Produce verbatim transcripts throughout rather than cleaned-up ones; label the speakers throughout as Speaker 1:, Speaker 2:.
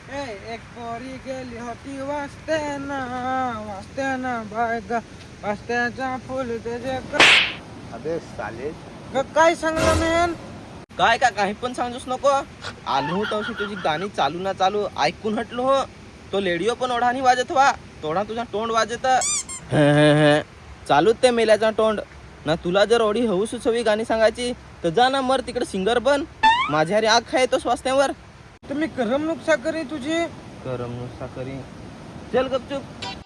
Speaker 1: ए एक पोरी गेली होती वाचताना वाचताना बाय ग वाचत्याचा फुल त्याचे
Speaker 2: अबे साले
Speaker 1: काय सांगला मेन
Speaker 3: काय का काही पण सांगूच नको. आलो होतो अशी तुझी गाणी चालू ना चालू ऐकून हटलो हो. तो लेडिओ पण ओढानी वाजत व्हा तोडा तुझा तोंड वाजत चालूच ते मेल्याचा तोंड ना. तुला जर ओढी हऊस हवी गाणी सांगायची तर जा ना मर तिकडे सिंगर बन. माझ्या हरी आग खाय तो स्वास्थ्यावर.
Speaker 1: तुम्ही करमणूक साकरी तुझी
Speaker 3: करमणूक साकरी चल गपचूप.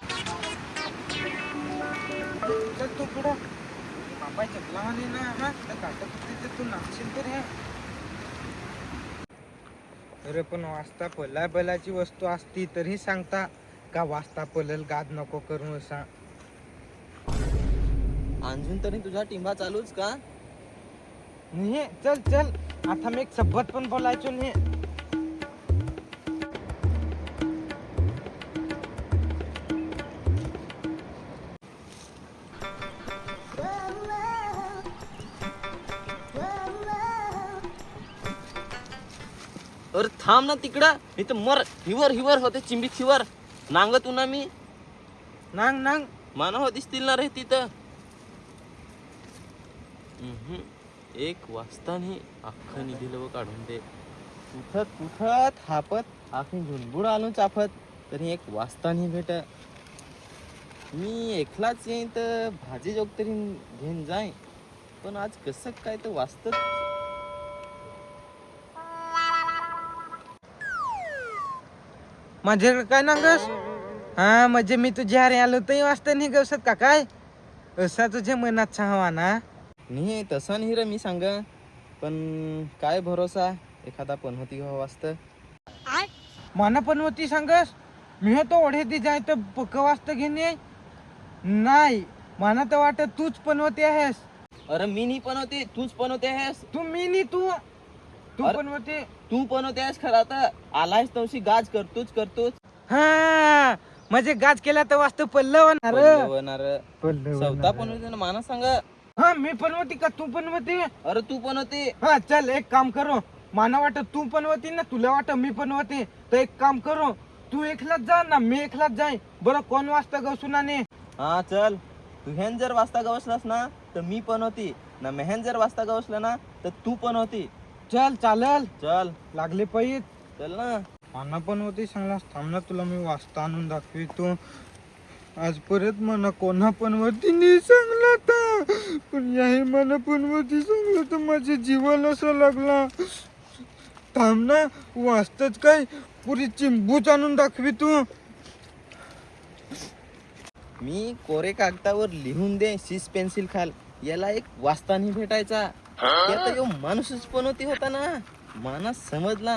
Speaker 1: चल तू पुढं बापाय चकला आली ना हा त्या काटत होती तू नाचशील तर हे. अरे पण वाचता पला बैलाची वस्तू असती तरी सांगता का वाचता पलल गाद नको करू असा.
Speaker 3: अजून तरी तुझा टिंबा चालूच का.
Speaker 1: नाही चल चल आता मी एक सबत पण बोलायचो नाही.
Speaker 3: अरे थांब ना तिकडं नाही तर मर हिवर हिवर होते चिंबी हिवर नांग तू ना मी
Speaker 1: नांग नांग
Speaker 3: मानव दिसतील ना रे तिथं. हम्म. एक वाजतानी अख्खं निधील व काढून दे. उठत उठत हापत आखी झुलबुड आलो चाफत तरी एक वाजतानी भेट. मी एकलाच येईन तर भाजी जोग तरी घेऊन जाय पण आज कसं काय तर वाचत.
Speaker 1: माझ्याकडे काय नांगस हा म्हणजे मी तुझ्या अरे आलो तरी वाचता नाही गवसत का काय असा तुझ्या मनात हवा ना.
Speaker 3: नाही तसा नाही रे मी सांग पण काय भरोसा एखादा पण होती घ्यावं वाचत.
Speaker 1: माना पण होती सांगस मी तो ओढे ती जाय तर पक्क वाचत घेणे नाही. माना तर वाटत तूच पण होते आहेस.
Speaker 3: अरे मी नाही पण होते तूच पण होते आहेस.
Speaker 1: तू मी नाही तू तू
Speaker 3: अरे-
Speaker 1: पण होते
Speaker 3: तू पण होते आहेस खरा तर आलायस तवशी गाज करतोच करतोच.
Speaker 1: हा म्हणजे गाज केला तर वाचतो पल्लव होणार
Speaker 3: पल्लवणार
Speaker 1: पल्लव
Speaker 3: सवता पण होते ना माना सांग.
Speaker 1: हा मी पण होती का तू पण होती.
Speaker 3: अरे तू पण होती.
Speaker 1: हा चल एक काम करो माना वाटत तू पण होती ना तुला वाटत मी पण होते तर एक काम करो तू एकलाच जा ना मी एकलाच जाय बरं कोण वाचता गवसुनाने.
Speaker 3: हा चल तू हेन जर वाचता गवसलास ना तर मी पण होती ना. मेहन जर वाचता गवसला ना तर तू पण होती.
Speaker 1: चल चालल
Speaker 3: चल
Speaker 1: लागले पाहिजे.
Speaker 3: चल ना.
Speaker 1: माना पण होती सांगलास थांब ना तुला मी वाचता आणून दाखवितो. आज परत मना कोणा पण वरती नाही सांगला तर पण याही मना पण वरती सांगलं तर माझ्या जीवाला असं लागला. थांब ना वाचतच काय पुरी चिंबूच आणून दाखवी तू.
Speaker 3: मी कोरे कागदावर लिहून दे शीस पेन्सिल खाल याला एक वाचतानी भेटायचा. त्यात यो माणूसच पण होती होता ना. मानस समजला.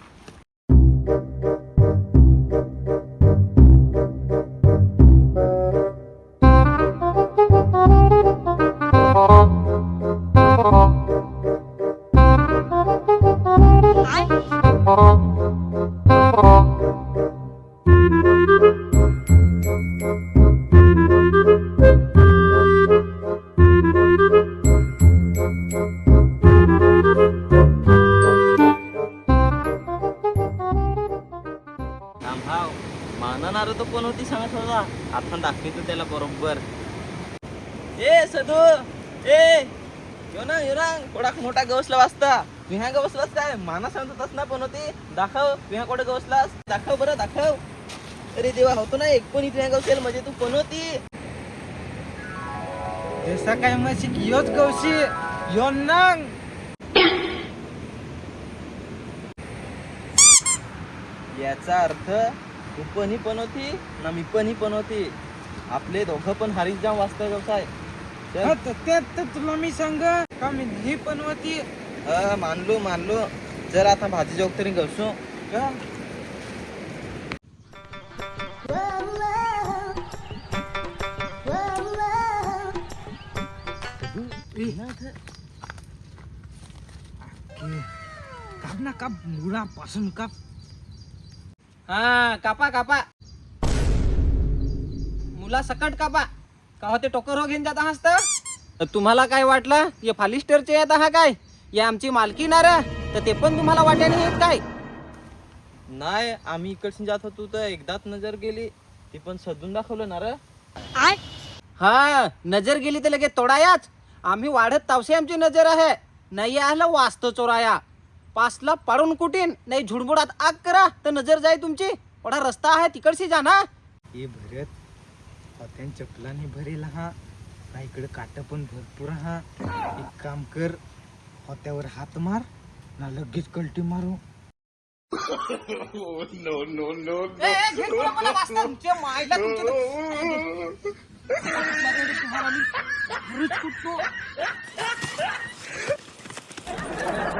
Speaker 3: भाव मानणार तो कोण होती सांगत होता. आपण दाखवतो त्याला बरोबर. ए सदू ए यो ना यो ना थोडा मोठा गवसला वाचता. तू ह्या गवसलास काय माना सांगत होतास ना पण होती. दाखव तू ह्या कुठे गवसलास दाखव बरं दाखव. अरे देवा होतो ना एक पण इथे गवसेल म्हणजे तू पण होती.
Speaker 1: जसा काय म्हशी योच गवशी यो नांग.
Speaker 3: याचा अर्थ तू पण ही पण होती ना मी पण ही पण होती. आपले दोघं पण हारीत जाऊन वाचता व्यवसाय.
Speaker 1: हा, तर त्यात तर तुला मी सांग का मी ही पण होती.
Speaker 3: अ मानलो मानलो. जर आता भाजी जोग तरी गवसू
Speaker 1: का काप ना काप मुळापासून काप.
Speaker 3: हा कापा कापा मुला सकट कापा. का होते टोकर हो घेऊन जात आहात तर तुम्हाला काय वाटलं हे फालिस्टरचे येत आहात काय. या आमची मालकी ना रे तर ते पण तुम्हाला वाट्याने येत काय. नाही आम्ही इकडची जात होतो तर एकदाच नजर गेली ती पण सदून दाखवलं ना रे.
Speaker 4: हा नजर गेली तर लगेच तोडायाच. आम्ही वाढत तावसे आमची नजर आहे. नाही आलं वास्त चोराया. पासला पाडून कुटीन नाही झुडमुडात आग करा तर नजर जाय तुमची. थोडा रस्ता आहे तिकडशी जा ना.
Speaker 1: हे भरत होत्यान चपलाने भरेल हा ना इकडे काट पण भरपूर हा. एक काम कर होत्यावर हात मार ना लगेच कलटी मारू.
Speaker 4: ए, ए, घे तुला मला वाचता. तुमच्या मायला तुमच्या- तुम्हाला मी घरीच कुटतो.